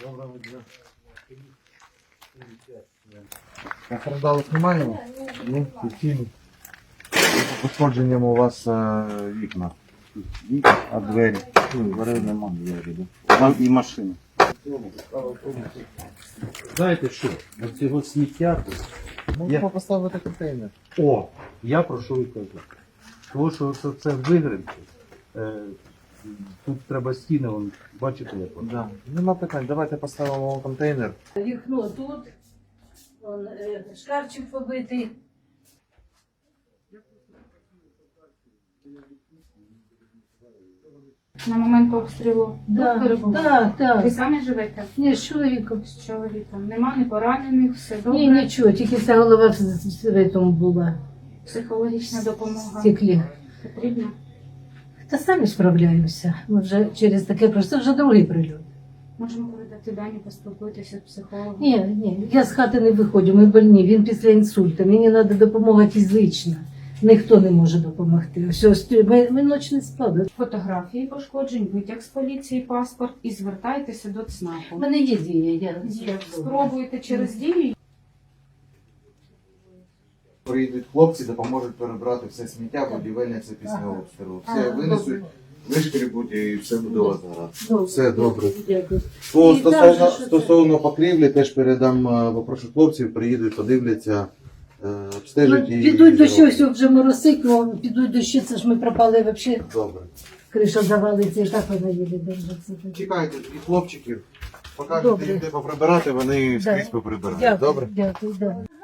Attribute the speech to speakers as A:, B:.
A: Доброго дня. Постраждалих немає? Ні, постійно. Пошкодженням у вас вікна. А двері?
B: Дверей нема, двері. Там і машина.
C: Знаєте що, от цього сміття,
A: Можемо поставити контейнер.
C: я про що і кажу. Тому що це вигринки. Тут треба стіни, вон, бачите, як воно.
A: Да. Нема питань, давайте поставимо контейнер.
D: Вікно тут, вон, шкафчик побитий.
E: На момент обстрілу тут перебували?
D: Так.
E: Ви самі живете?
D: Ні, з чоловіком.
E: З чоловіком. Нема ні поранених, все добре?
D: Ні, нічого, тільки вся голова в цьому була,
E: Психологічна
D: в
E: допомога
D: стеклі.
E: потрібна?
D: Та самі справляємося. Ми вже через таке пройшли. Це вже другий прильот.
E: Можемо передати дані, поспілкуйтеся з психологом?
D: Ні, я з хати не виходжу, ми больні, він після інсульту. Мені треба допомога фізична. Ніхто не може допомогти. Все, ми ніч не спали.
E: Фотографії пошкоджень, витяг з поліції, паспорт і звертайтеся до
D: У
E: ЦНАПу.
D: мене є дія.
E: Є. Спробуйте через дію.
A: Приїдуть хлопці, допоможуть перебрати все сміття, будівельне це після обстрілу. Все винесуть, вишкрібуть і все буде у вас гаразд. Все добре.
D: Дякую.
A: Стосовно покрівлі, теж передам, попрошу хлопців, приїдуть, подивляться, обстежать і...
D: Підуть дощі, все вже моросить, ну підуть дощі, це ж ми пропали взагалі.
A: Добре.
D: Криша завалиться, і так вона їде держиться.
A: Чекайте і хлопчиків,
D: Добре.
A: покажете їм, де поприбирати, вони скрізь поприбирають. Добре?
D: Дякую, да.